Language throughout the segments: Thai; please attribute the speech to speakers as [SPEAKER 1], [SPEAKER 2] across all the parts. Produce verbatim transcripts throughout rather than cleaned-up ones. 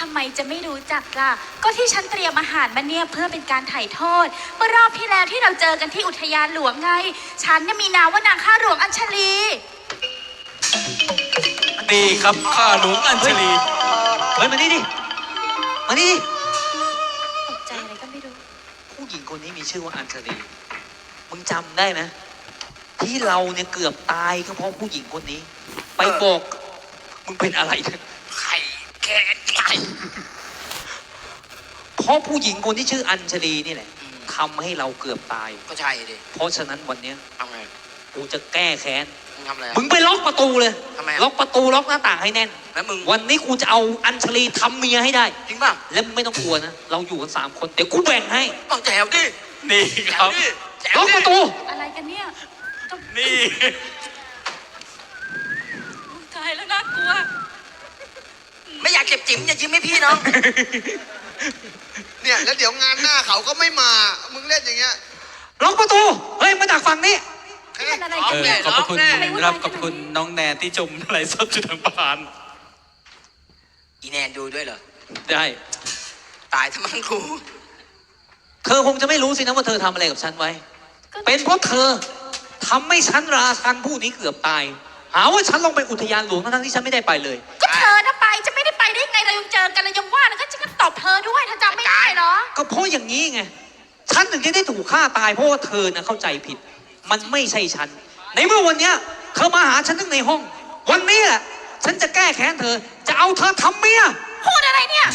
[SPEAKER 1] ำไมจะไม่รู้จักล่ะก็ที่ฉันเตรียมอาหารมาเนี่ยเพื่อเป็นการไถ่โทษเมื่อรอบที่แล้วที่เราเจอกันที่อุทยานหลวงไงฉันเนี่ยมีนามว่านางข้าหลวงอัญชลี
[SPEAKER 2] นี่ครับข้าหลวงอัญชลี
[SPEAKER 3] เฮ้ยมานี่ดิมานี่ดิ
[SPEAKER 1] ตกใจอะไรก็ไม่รู้
[SPEAKER 3] ผู้หญิงคนนี้มีชื่อว่าอัญชลีมึงจำได้ไหมที่เราเนี่ยเกือบตายก็เพราะผู้หญิงคนนี้ไปบอกมึงเป็นอะไร
[SPEAKER 2] ไข่แค่ไข่
[SPEAKER 3] เพราะผู้หญิงคนที่ชื่ออัญชลีนี่แหละทำให้เราเกือบตาย
[SPEAKER 2] ก็ใช่ดิ
[SPEAKER 3] เพราะฉะนั้นวันนี้
[SPEAKER 2] ทำไง
[SPEAKER 3] กูจะแก้แค้น
[SPEAKER 2] มึงทำอะไร
[SPEAKER 3] มึงไปล็อกประตูเลย
[SPEAKER 2] ทำไม
[SPEAKER 3] ล็อกประตูล็อกหน้าต่างให้แน่น
[SPEAKER 2] แล้วมึง
[SPEAKER 3] วันนี้กูจะเอาอัญชลีทำเมียให้ได้
[SPEAKER 2] จริงป่ะ
[SPEAKER 3] แล้วมึงไม่ต้องกลัวนะเราอยู่กันสามคนเดี๋ยวกูแบ่งให้
[SPEAKER 2] ต้องแจวดินี่ครับ
[SPEAKER 3] ล็อกประตู
[SPEAKER 1] อะไรกันเนี่ย
[SPEAKER 2] นี่
[SPEAKER 1] ตายแล้วน่ากลัว
[SPEAKER 2] ไม่อยากเก็บจิ๋มอย่ายิ้มให้พี่น้อง
[SPEAKER 4] เนี่ยแล้วเดี๋ยวงานหน้าเขาก็ไม่มามึงเล่นอย่างเงี้ย
[SPEAKER 3] ล็อกประตูเฮ้ยมาจากฝั่งนี้
[SPEAKER 1] เออ
[SPEAKER 2] ขอบพระคุณครับขอบคุณน้องแนนที่ชมไลฟ์สดจุดทางบ้านอีแนนดูด้วยเหรอ
[SPEAKER 3] ได้
[SPEAKER 2] ตายทั้งมังคู
[SPEAKER 3] เธอคงจะไม่รู้สินะว่าเธอทำอะไรกับฉันไว้เป็นเพราะเธอทำให้ฉันราชันผู้นี้เกือบตายหาว่าฉันลงไปอุทยานหลวงทั้งที่ฉันไม่ได้ไปเลย
[SPEAKER 1] ก็เธอน่ะไปจะไม่ได้ไปได้ไงเรายังเจอกันเรายังว่าแล้วก็จะก็ตบเธอด้วยถ้าจำไม่ได้เหรอ
[SPEAKER 3] ก็เพราะอย่างนี้ไงฉันถึงจะได้ถูกฆ่าตายเพราะว่าเธอน่ะเข้าใจผิดมันไม่ใช่ฉันในเมื่อวันนี้เธอมาหาฉันทั้งในห้องวันนี้แหละฉันจะแก้แค้นเธอจะเอาเธอทำเมีย
[SPEAKER 1] พูดอะไรเนี่ย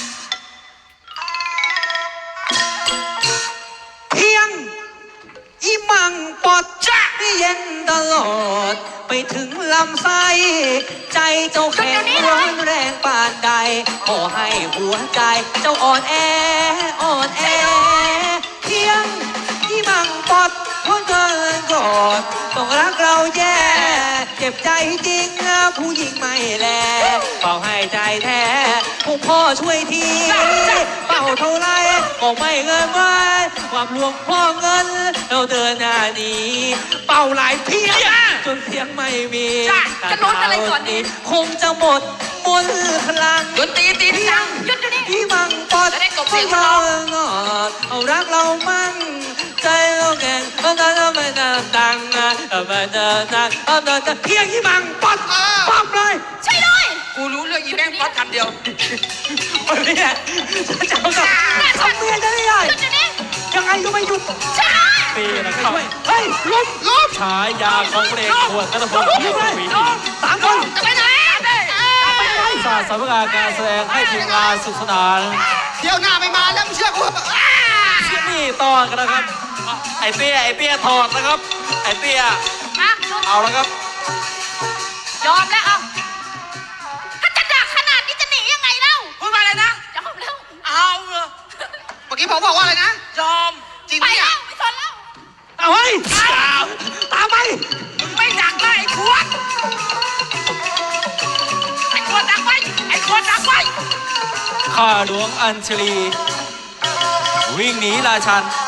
[SPEAKER 3] เพียงอีมังปอดจะเย็นตลอดไปถึงลำไส้ใจเจ้าแข็งร้อนแรงปานใดขอให้หัวใจเจ้าอ่อนแออ่อนแอเพียงอีมังปอดเพราะเกินกอดต้องรักเราแย่เจ็บใจจริงนะผู้หญิงไม่แลเป่าให้ใจแท้ผู้พ่อช่วยทีเป่าเท่าไรก็ไม่เงินไว้ความหลวงพ่อเงินเราเดินหน้านี้เป่าหลายเพียงจนเสียงไม่มี
[SPEAKER 1] จะลุ้นอะไรก่อนนี้
[SPEAKER 3] คงจะหมดมนพลัง
[SPEAKER 2] ดนตรีตีดัง
[SPEAKER 1] หยุดอยู่นี่
[SPEAKER 3] ที่มังปอดให้เรางอดเอารักเรามั่งใจเราแก่งเอาแต่เราไม่ดังดังนะเอาไม่ดังดังเอาแต่จะเพียงที่มังปอดปั๊บเลย
[SPEAKER 1] ใช่ด้วย
[SPEAKER 2] กูรู้เรื่องอีแบงค์ป๊อดคำเดียว
[SPEAKER 3] วันนี้จะเอากับทำเมียจะได้ไงยังไงก็ไม่หยุด
[SPEAKER 1] ใช่
[SPEAKER 5] ปีนะครับ
[SPEAKER 3] เฮ้ยลุกลุก
[SPEAKER 5] ฉายาของเพลงขวดนัทพลลุกเลย
[SPEAKER 3] สามคน
[SPEAKER 1] จะไปไหน
[SPEAKER 5] ศาสตร์สำนักงานการแสดงให้ทีมงานสุขสนาน
[SPEAKER 4] เที่ยวหน้าไม่มาแล้วมึงเชื่อกู
[SPEAKER 5] นี่ต่อกันนะครับไอเปี้ยไอเปี้ยถอดนะครับไอเปี้ยเอาแล้วครับ
[SPEAKER 1] ยอมแล้วเอาถ้าจะดักขนาดนี้จะหนียังไงเล่า
[SPEAKER 2] พูดมาเลยนะ
[SPEAKER 1] ยอมแล้ว
[SPEAKER 2] เอาเหรอ
[SPEAKER 4] เมื่อกี้ผมบอกว่าอะไรนะ
[SPEAKER 2] ยอม
[SPEAKER 4] จริง
[SPEAKER 1] ไป
[SPEAKER 4] เนี่ย
[SPEAKER 1] แล้วไม่สนแล้ว
[SPEAKER 3] เอาเฮ้ยตามไป
[SPEAKER 2] ไม่ดักได้ไอ้ขวดไอ้ขวดดักไว้ไอ้ขวดดักไว้
[SPEAKER 5] ข้าหลวงอัญชลีวิ่งหนีราชัน